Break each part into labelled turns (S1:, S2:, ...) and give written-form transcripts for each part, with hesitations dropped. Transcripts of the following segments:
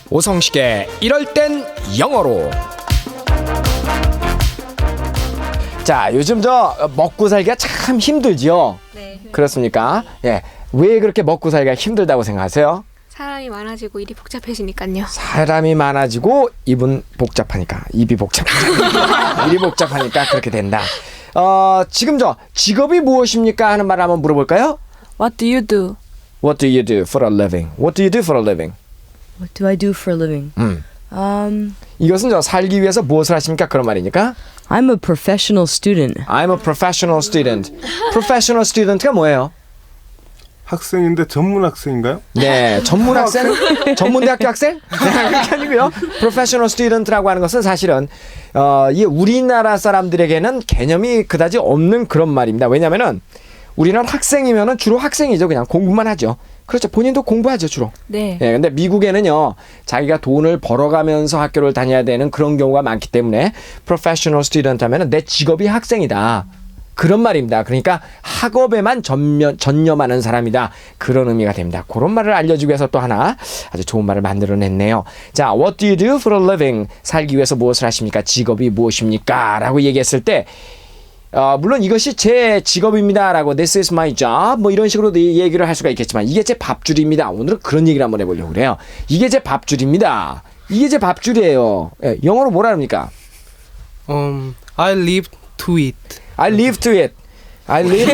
S1: 오성식의 이럴 땐 영어로. 자, 요즘 저 먹고 살기가 참 힘들지요?
S2: 네.
S1: 그렇습니까? 예. 왜 그렇게 먹고 살기가 힘들다고 생각하세요?
S2: 사람이 많아지고 일이 복잡해지니까요.
S1: 사람이 많아지고 입이 복잡하니까 일이 복잡하니까 그렇게 된다. 지금 저 직업이 무엇입니까 하는 말 한번 물어볼까요?
S3: What do you do?
S1: What do you do for a living? What do you do for a living?
S3: What do I do for a living?
S1: 이것은 저 살기 위해서 무엇을 하십니까? 그런 말이니까.
S3: I'm a professional student.
S1: I'm a professional student. Professional student가 뭐예요?
S4: 학생인데 전문 학생인가요?
S1: 네, 전문 학생, 전문대학교 학생? 네, 그게 아니고요. Professional student라고 하는 것은 사실은 이 우리나라 사람들에게는 개념이 그다지 없는 그런 말입니다. 왜냐하면은 우리는 학생이면은 주로 학생이죠. 그냥 공부만 하죠. 그렇죠. 본인도 공부하죠, 주로.
S3: 네.
S1: 예, 근데 미국에는요, 자기가 돈을 벌어가면서 학교를 다녀야 되는 그런 경우가 많기 때문에 professional student 하면은 내 직업이 학생이다. 그런 말입니다. 그러니까 학업에만 전념하는 사람이다. 그런 의미가 됩니다. 그런 말을 알려주기 위해서 또 하나 아주 좋은 말을 만들어냈네요. 자, what do you do for a living? 살기 위해서 무엇을 하십니까? 직업이 무엇입니까? 라고 얘기했을 때 물론 이것이 제 직업입니다 라고 this is my job 뭐 이런 식으로 얘기를 할 수가 있겠지만 이게 제 밥줄입니다. 오늘은 그런 얘기를 한번 해보려고 그래요. 이게 제 밥줄입니다. 이게 제 밥줄이에요. 예, 영어로 뭐라 합니까?
S5: I live to it.
S1: I live to it. I live.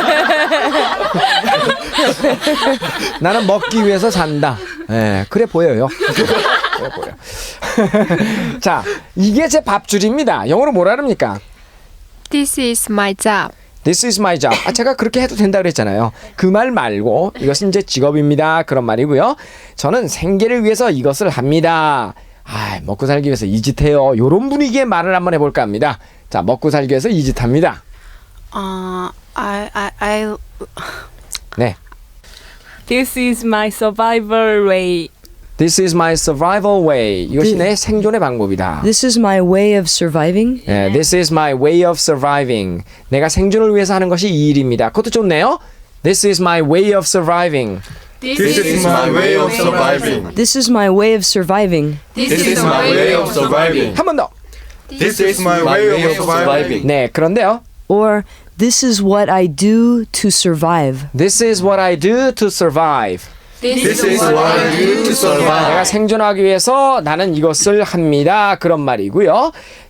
S1: 나는 먹기 위해서 산다. 예, 그래 보여요. 그래 보여. 자, 이게 제 밥줄입니다. 영어로 뭐라 합니까?
S2: This is my job.
S1: This is my job. 제가 그렇게 해도 된다고 그랬잖아요. 그 말 말고 이것은 제 직업입니다. 그런 말이고요. 저는 생계를 위해서 이것을 합니다. 먹고 살기 위해서 이 짓 해요. 요런 분위기의 말을 한번 해볼까 합니다. 자, 먹고 살기 위해서 이 짓 합니다. 네.
S3: This is my survival way.
S1: This is my survival way. 이것이 내 생존의 방법이다.
S3: This is my way of surviving.
S1: 네, this is my way of surviving. 내가 생존을 위해서 하는 것이 이 일입니다. 그것도 좋네요. This is my way of surviving.
S4: This is my way of surviving.
S3: This is my way of surviving.
S4: This is my way of surviving.
S1: 한 번 더.
S4: This is my way of surviving.
S1: 네, 그런데요.
S3: Or this is what I do to survive.
S1: This is what I do to survive.
S4: This is what I do to survive.
S1: 내가 생존하기 위해서 나는 이것을 합니다. 그런 말이고요.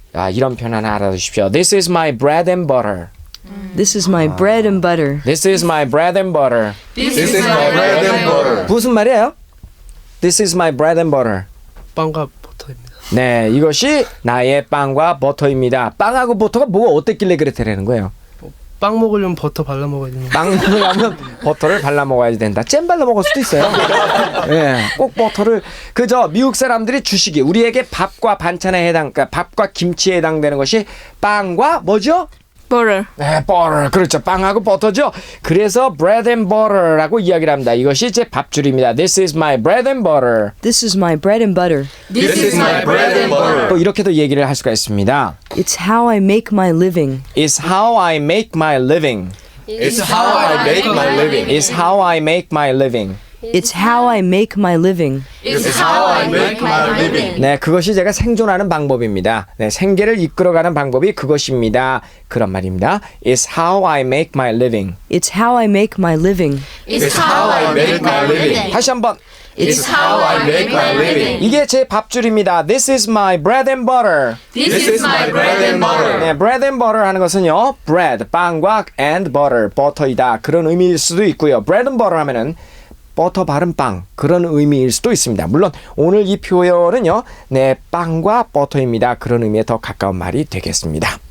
S1: 이런 표현 하나 알아두십시오. This is my bread and butter.
S3: This is my bread and butter.
S1: This is my bread and butter.
S4: This is my bread and butter.
S1: 무슨 말이에요? This is my bread and butter.
S5: 빵과 버터입니다.
S1: 네, 이것이 나의 빵과 버터입니다. 빵하고 버터가 뭐가 어땠길래 그랬다라는 거예요?
S5: 빵 먹으려면 버터 발라 먹어야 되는 거.
S1: 빵 먹으려면 버터를 발라 먹어야 된다. 잼 발라 먹을 수도 있어요. 예, 꼭 버터를 미국 사람들이 주식이 우리에게 밥과 반찬에 그러니까 밥과 김치에 해당되는 것이 빵과 뭐죠?
S2: Butter.
S1: 네, butter. 그렇죠. 빵하고 버터죠. 그래서 bread and butter라고 이야기를 합니다. 이것이 제 밥줄입니다. This is my bread and butter.
S3: This is my bread and butter.
S4: This is my bread and butter.
S1: 또 이렇게도 얘기를 할 수가 있습니다.
S3: It's how I make my living.
S1: It's how I make my living.
S4: It's how I make my living.
S1: It's how I make my living.
S3: It's how I make my living.
S4: It's how I make my living.
S1: 네, 그것이 제가 생존하는 방법입니다. 네, 생계를 이끌어가는 방법이 그것입니다. 그런 말입니다. It's how I make my living.
S3: It's how I make my living.
S4: It's how I make my living.
S1: 다시 한번.
S4: It's how I make my living.
S1: 이게 제 밥줄입니다. This is my bread and butter.
S4: This is my bread and butter.
S1: 네, bread and butter 하는 것은요, bread, 빵과 and butter, 버터이다. 그런 의미일 수도 있고요. bread and butter 하면은 버터 바른 빵, 그런 의미일 수도 있습니다. 물론 오늘 이 표현은요, 네, 빵과 버터입니다. 그런 의미에 더 가까운 말이 되겠습니다.